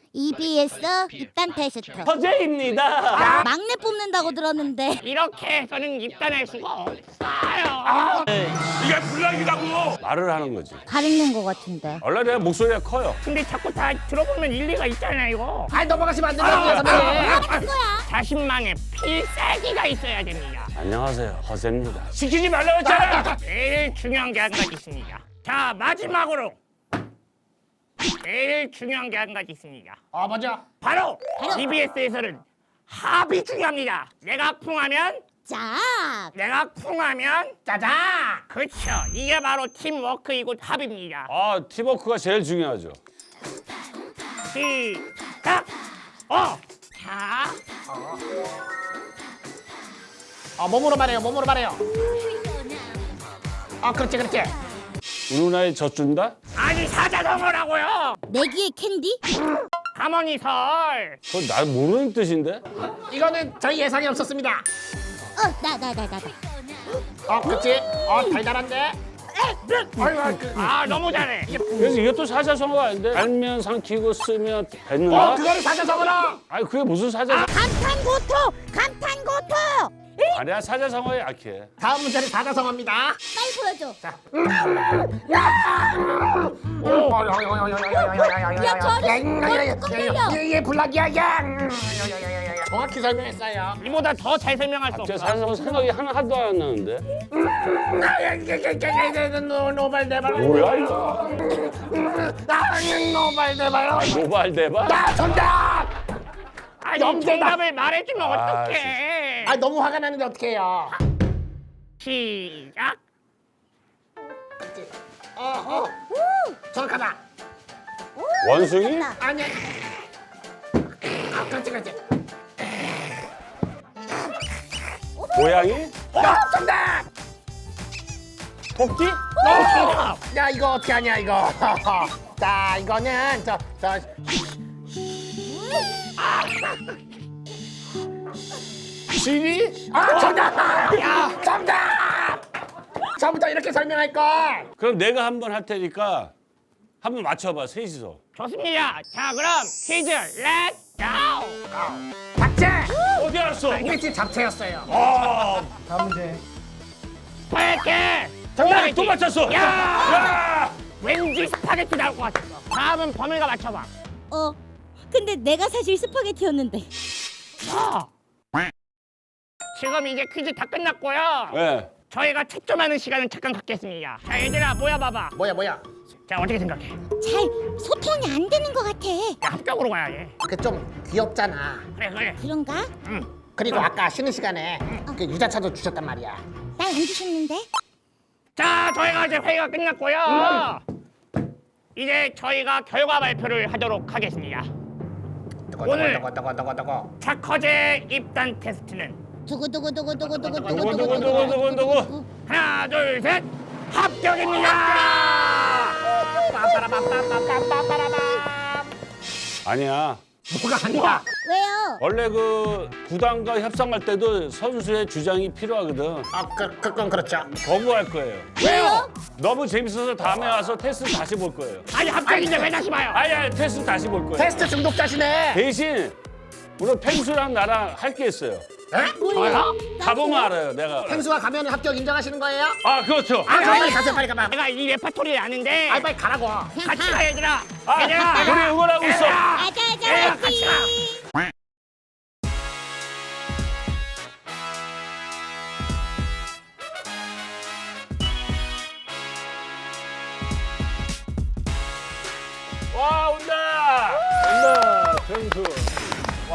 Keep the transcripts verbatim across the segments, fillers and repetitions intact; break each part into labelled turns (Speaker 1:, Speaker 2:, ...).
Speaker 1: 이비에스 입단 테스트.
Speaker 2: 허재입니다.
Speaker 1: 막내 뽑는다고 들었는데.
Speaker 3: 이렇게 해서는 입단할 수가 없어요.
Speaker 2: 이게 불량이라고. 말을 하는 거지.
Speaker 1: 가리는 것 같은데.
Speaker 2: 원래 내 목소리가 커요.
Speaker 3: 근데 자꾸 다 들어보면 일리가 있잖아요, 이거.
Speaker 4: 아이 넘어가시면 안 된다고요, 선배님.
Speaker 1: 하는 거야.
Speaker 3: 자신만의 필살기가 있어야 됩니다.
Speaker 2: 안녕하세요, 허재입니다. 시키지 말라고 했잖아.
Speaker 3: 제일 중요한 게 한 가지 있습니다. 자, 마지막으로 제일 중요한 게 한 가지 있습니다.
Speaker 4: 아 맞아.
Speaker 3: 바로 이비에스에서는 합이 중요합니다. 내가 쿵하면
Speaker 1: 짝.
Speaker 3: 내가 쿵하면
Speaker 4: 짜자.
Speaker 3: 그렇죠. 이게 바로 팀워크이고 합입니다.
Speaker 2: 아, 팀워크가 제일 중요하죠.
Speaker 3: 시작. 어. 자,
Speaker 4: 아 몸으로 말해요, 몸으로 말해요. 아 그렇지, 그렇지.
Speaker 2: 우리 누나의 젖준다?
Speaker 3: 아니 사자성어라고요.
Speaker 1: 내기의 캔디?
Speaker 3: 가머니설.
Speaker 2: 그건 나 모르는 뜻인데?
Speaker 4: 이거는 저희 예상이 없었습니다.
Speaker 1: 어, 나, 나, 나, 나, 나.
Speaker 4: 어 그렇지. 어 달달한데. 아이고, 아, 그,
Speaker 3: 아 너무 잘해.
Speaker 2: 그래서 이것도 사자성어가 아닌데? 알면 삼키고 쓰면
Speaker 4: 어
Speaker 2: 뱉는다?
Speaker 4: 그거를 사자성어로.
Speaker 2: 아니 그게 무슨 사자성어?
Speaker 1: 감탄고토! 감탄고토!
Speaker 2: 아니야, 사자성어에 약해.
Speaker 4: 다음 문제는 사자성어입니다.
Speaker 1: 빨리 보여줘. 야, 저리 꺾이려.
Speaker 4: 얘 불락이야, 야. 정확히 설명했어요.
Speaker 3: 이보다 더 잘 설명할 수
Speaker 2: 갑자기
Speaker 3: 없어.
Speaker 2: 사자성어 생각이 하나 하도 안 나는데?
Speaker 4: 노발대발.
Speaker 2: 뭐야 이거?
Speaker 4: 나는 노발대발.
Speaker 2: 노발대발?
Speaker 4: 나 정답.
Speaker 3: 아니
Speaker 4: 영재다.
Speaker 3: 정답을 말해주면
Speaker 2: 아,
Speaker 3: 어떡해.
Speaker 4: 아 너무 화가 나는데 어떡해요.
Speaker 3: 시작.
Speaker 4: 어, 어. 정확하다.
Speaker 2: 원숭이?
Speaker 4: 아니야. 아, 그렇지, 그렇지.
Speaker 2: 고양이?
Speaker 4: 어, 정답.
Speaker 2: 토끼?
Speaker 3: 정답.
Speaker 4: 야, 이거 어떻게 하냐, 이거. 자, 이거는 저, 저.
Speaker 2: 쥐리?
Speaker 4: 아, 정답. 야, 정답. 처음부터 이렇게 설명할 걸.
Speaker 2: 그럼 내가 한번 할 테니까 한번 맞춰봐, 셋이서.
Speaker 3: 좋습니다. 자 그럼 퀴즈 렛츠 고.
Speaker 4: 잡채.
Speaker 2: 어디 알았어?
Speaker 4: 이게 지금 잡채였어요.
Speaker 2: 아,
Speaker 3: 스파게티.
Speaker 2: 정답! 또 맞췄어!
Speaker 3: 야!
Speaker 2: 야!
Speaker 3: 왠지 스파게티 나올 것 같았어. 다음은 범위가 맞춰봐.
Speaker 1: 어, 근데 내가 사실 스파게티였는데.
Speaker 3: 아. 지금 이제 퀴즈 다 끝났고요.
Speaker 2: 네.
Speaker 3: 저희가 채점하는 시간을 잠깐 갖겠습니다. 자 얘들아 모여봐봐.
Speaker 4: 뭐야, 뭐야.
Speaker 3: 자 어떻게 생각해?
Speaker 1: 잘 소통이 안 되는 것 같아.
Speaker 3: 야 합격으로 가야 돼.
Speaker 4: 그게 좀 귀엽잖아.
Speaker 3: 그래 그래.
Speaker 1: 그런가?
Speaker 3: 응.
Speaker 4: 그리고 아까 쉬는 시간에 그 유자차도 주셨단 말이야.
Speaker 1: 날 안 주셨는데?
Speaker 3: 자 저희가 이제 회의가 끝났고요. 이제 저희가 결과 발표를 하도록 하겠습니다. 오늘
Speaker 4: 뜨거, 뜨거, 뜨거, 뜨거.
Speaker 3: 착허제 입단 테스트는
Speaker 1: 두구두구두구두구두구두구두구두구두구.
Speaker 3: 하나 둘 셋 합격입니다.
Speaker 2: 아니야.
Speaker 4: 뭐가 아니야.
Speaker 1: 왜요?
Speaker 2: 원래 그 구단과 협상할 때도 선수의 주장이 필요하거든.
Speaker 4: 아, 그, 그건 그렇죠.
Speaker 2: 거부할 거예요.
Speaker 1: 왜요?
Speaker 2: 너무 재밌어서 다음에 와서 테스트 다시 볼 거예요.
Speaker 3: 아니 합격인데 왜 다시 봐요?
Speaker 2: 아니, 아니, 테스트 다시 볼 거예요.
Speaker 4: 테스트 중독자시네.
Speaker 2: 대신 오늘 펭수랑 나랑 할 게 있어요.
Speaker 4: 에?
Speaker 3: 저요?
Speaker 2: 가보면 알아요, 내가.
Speaker 4: 펭수가 가면 합격 인정하시는 거예요?
Speaker 2: 아, 그렇죠.
Speaker 4: 아, 빨리 가세요, 빨리 가봐.
Speaker 3: 내가 이 레파토리를 아는데
Speaker 4: 아, 빨리 가라고.
Speaker 3: 같이 가 얘들아.
Speaker 2: 아,
Speaker 3: 얘들아.
Speaker 2: 우리 응원하고 있어.
Speaker 3: 얘들아.
Speaker 1: 아자아자
Speaker 3: 얘들아, 같이 가.
Speaker 1: 화이팅!
Speaker 2: 와, 온다. 온다. 펭수. 와.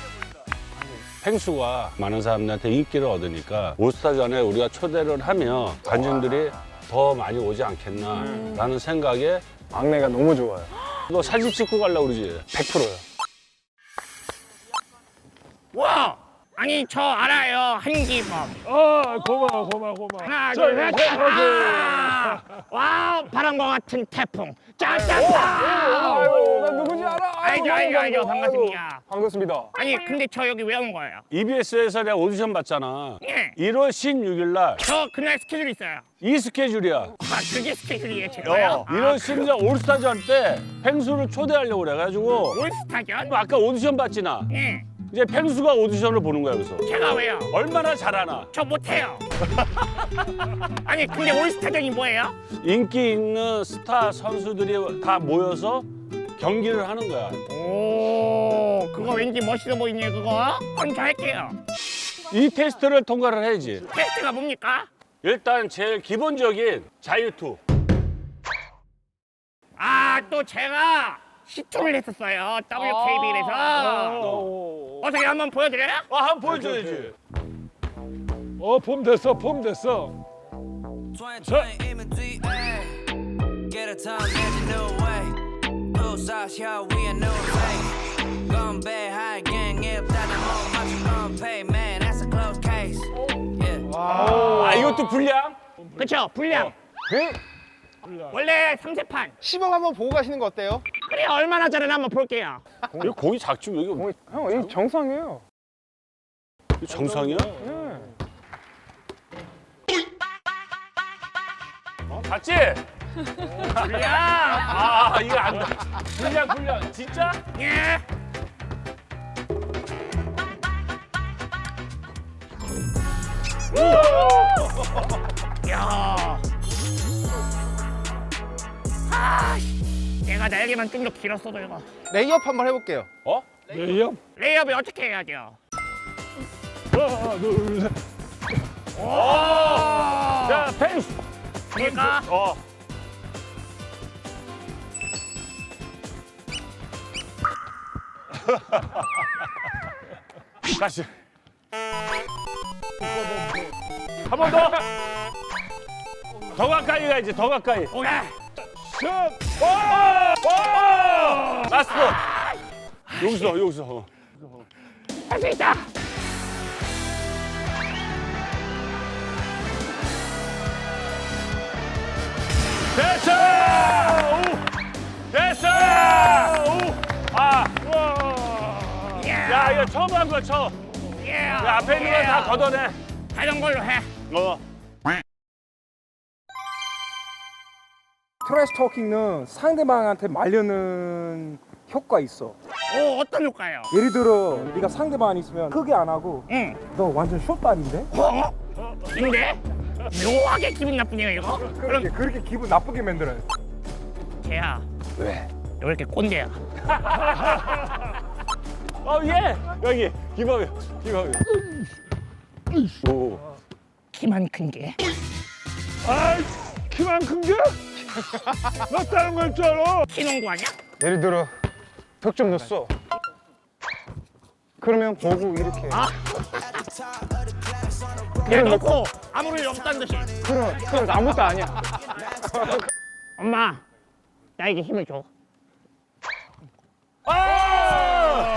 Speaker 2: 펭수가 많은 사람들한테 인기를 얻으니까 올스타 전에 우리가 초대를 하면 관중들이 더 많이 오지 않겠나라는 생각에
Speaker 5: 막내가 너무 좋아요.
Speaker 2: 너 사진 찍고 가려고 그러지?
Speaker 5: 백 퍼센트요.
Speaker 3: 와 아니 저 알아요 한기범.
Speaker 5: 아 고마워 고마워 고마워.
Speaker 3: 하나
Speaker 5: 자,
Speaker 3: 둘셋
Speaker 5: 자,
Speaker 3: 아! 와 바람과 같은 태풍. 짜짜짜.
Speaker 5: 아유 나 누군지 알아.
Speaker 3: 알죠 알죠 알죠 반갑습니다.
Speaker 5: 반갑습니다.
Speaker 3: 아니 근데 저 여기 왜 온 거예요?
Speaker 2: 이비에스에서 내가 오디션 봤잖아.
Speaker 3: 예.
Speaker 2: 일월 십육일 날 이
Speaker 3: 저 그날 스케줄 있어요.
Speaker 2: 스케줄이야.
Speaker 3: 아 그게 스케줄이에요 제가요?
Speaker 2: 어, 일월 십육일 올스타전 때 펭수를 초대하려고 그래가지고
Speaker 3: 올스타전?
Speaker 2: 아까 오디션 봤지 나.
Speaker 3: 예.
Speaker 2: 이제 펭수가 오디션을 보는 거야 그래서.
Speaker 3: 제가 왜요?
Speaker 2: 얼마나 잘하나.
Speaker 3: 저 못해요. 아니 근데 올스타전이 뭐예요?
Speaker 2: 인기 있는 스타 선수들이 다 모여서 경기를 하는 거야.
Speaker 3: 오 그거 왠지 멋있어 보이네요 그거. 그럼 저 할게요.
Speaker 2: 이 테스트를 통과를 해야지.
Speaker 3: 테스트가 뭡니까?
Speaker 2: 일단 제일 기본적인 자유투.
Speaker 3: 아 또 제가 시투를 했었어요 더블유케이비엘에서. 어떻게 한번 보여드려요?
Speaker 2: 아, 한번 보여줘야지.
Speaker 5: 어 폼 됐어 폼 됐어.
Speaker 6: twenty twenty imagery, ayy. Get a time, magic new way. Pull sauce, yo, we a new face. Gone bad, high gang, if that the more much you gon' pay, man, that's a close case. Yeah.
Speaker 2: 아, 이것도 불량?
Speaker 3: 그쵸 불량. 원래 삼 세판.
Speaker 7: 시범 한번 보고 가시는 거 어때요?
Speaker 3: 그래 얼마나 잘하나 한번 볼게요.
Speaker 2: 이거 공이 작지 왜 이거
Speaker 5: 형 이거 정상이에요.
Speaker 2: 이거 정상이야? 어, 봤지?
Speaker 3: 불량.
Speaker 2: 아, 이거 안 돼. 불량, 불량. 진짜?
Speaker 3: 예. 야. 아, 내가 날개만 좀 더 길었어도 이거.
Speaker 7: 레이업 한번 해볼게요.
Speaker 2: 어?
Speaker 5: 레이업.
Speaker 3: 레이업이 어떻게 해야 돼요?
Speaker 5: 하나 둘 셋.
Speaker 3: 오!
Speaker 2: 자, 펜스.
Speaker 3: 그러니까
Speaker 2: 어. 다시. 한 번 더. 더 가까이 가야지, 더 가까이.
Speaker 3: 오케이.
Speaker 5: 샷.
Speaker 2: 오! 오! 라스트. 여기서, 여기서.
Speaker 3: 할 수 있다.
Speaker 2: 됐어! 오! 됐어! 오! 아,
Speaker 3: 예.
Speaker 2: 야, 이거 처음 한 거야, 처음.
Speaker 3: 예.
Speaker 2: 야, 앞에 있는 거 다 걷어내.
Speaker 3: 하던 걸로 해.
Speaker 2: 어.
Speaker 8: 트래시 토킹은 상대방한테 말려는 효과 있어.
Speaker 3: 오, 어떤 효과요?
Speaker 8: 예를 들어 네가 상대방 있으면 크게 안 하고
Speaker 3: 응.
Speaker 8: 너 완전 숏발인데?
Speaker 3: 어? 근데 묘하게 기분 나쁘네요 이거.
Speaker 8: 그렇게 그렇게 기분 나쁘게 만들어요.
Speaker 3: 쟤야. 왜? 왜 이렇게 꼰대야?
Speaker 2: 어, 예! 여기, 기범이, 기범이. 오.
Speaker 3: 키만 큰 게.
Speaker 5: 아이 키만 큰 게? 나 다른 걸 줄 알아.
Speaker 3: 키 농구 아니야?
Speaker 7: 예를 들어 득점 넣었어. 그러면 보고 이렇게.
Speaker 3: 아. 얘 놓고 아무 일 없다는 듯이.
Speaker 7: 그럼 그럼 아무것도 아니야.
Speaker 3: 엄마, 나에게 힘을 줘.
Speaker 2: 아!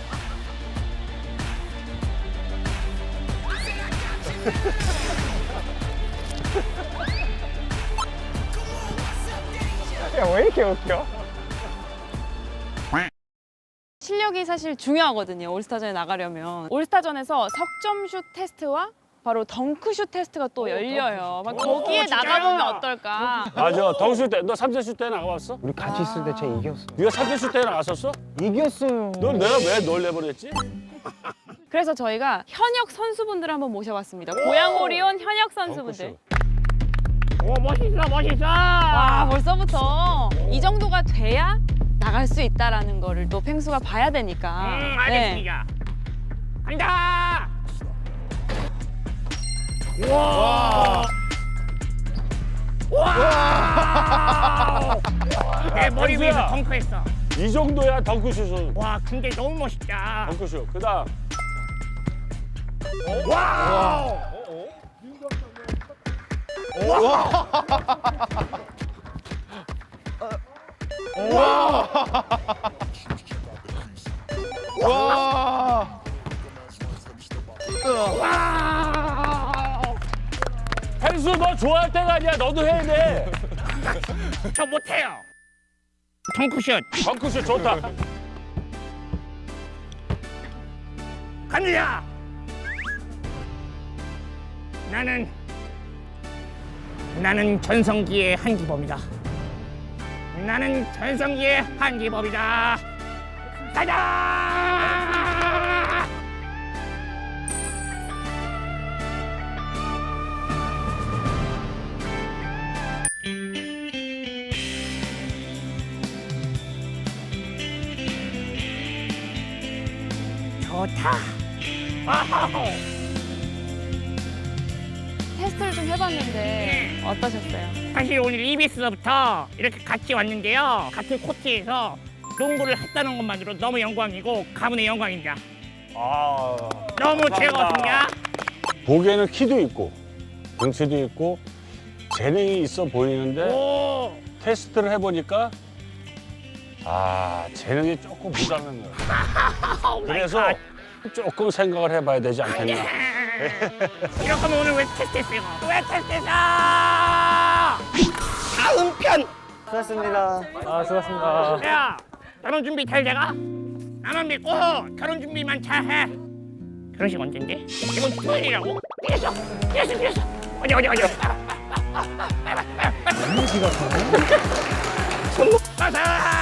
Speaker 7: 야 왜 이렇게 웃겨?
Speaker 9: 실력이 사실 중요하거든요. 올스타전에 나가려면. 올스타전에서 석점슛 테스트와 바로 덩크슛 테스트가 또 열려요. 막 거기에
Speaker 3: 진짜요?
Speaker 9: 나가보면 어떨까.
Speaker 2: 맞아, 덩슛 때, 너 삼 세 슛 때 나가봤어?
Speaker 7: 우리 같이 있을 때 쟤 이겼어.
Speaker 2: 네가 삼 세 슛 때 나갔었어?
Speaker 7: 이겼어요.
Speaker 2: 넌 내가 왜 널 내보냈지?
Speaker 9: 그래서 저희가 현역 선수분들 한번 모셔봤습니다. 고양오리 온 현역 선수분들.
Speaker 3: 오, 멋있어, 멋있어.
Speaker 9: 와, 벌써부터 이 정도가 돼야 나갈 수 있다라는 거를 또 펭수가 봐야 되니까.
Speaker 3: 음,
Speaker 9: 네.
Speaker 3: 알겠습니다. 간다. 와. 와. 내 머리
Speaker 2: 펭수야.
Speaker 3: 위에서 덩크했어.
Speaker 2: 이 정도야, 덩크슛은.
Speaker 3: 와, 근데 너무 멋있다.
Speaker 2: 덩크슛. 그 다음.
Speaker 3: 와.
Speaker 7: 와.
Speaker 3: 됐어. 와.
Speaker 2: 펜수 너 좋아할 때가 아니야. 너도 해야 돼.
Speaker 3: 저 못해요. 덩크슛
Speaker 2: 덩크슛 좋다.
Speaker 3: 갑니다. 나는 나는 전성기의 한기범이다. 나는 전성기의 한기범이다. 가자! 좋다. 와우.
Speaker 9: 테스트를 좀 해봤는데 어떠셨어요?
Speaker 3: 사실 오늘 이비에스부터 이렇게 같이 왔는데요. 같은 코트에서 농구를 했다는 것만으로 너무 영광이고 가문의 영광입니다.
Speaker 2: 아,
Speaker 3: 너무 즐거웠습니다.
Speaker 2: 보기에는 키도 있고 등치도 있고 재능이 있어 보이는데
Speaker 3: 오,
Speaker 2: 테스트를 해보니까 아 재능이 조금 부족한 거야. 그래서 조금 생각을 해봐야 되지 않겠나.
Speaker 3: 이럴 거면 오늘 왜 테스트했어요? 왜 테스트했어? 다음 편.
Speaker 7: 수고하셨습니다. 아, 수고하셨습니다.
Speaker 3: 야, 결혼 준비 잘 돼가? 나만 믿고 결혼 준비만 잘해. 결혼식 언젠데? 이번 주 토요일이라고? 이랬어, 이랬어, 이랬어. 어디 어디 어디.
Speaker 8: 이미지가 가네.
Speaker 3: 가자.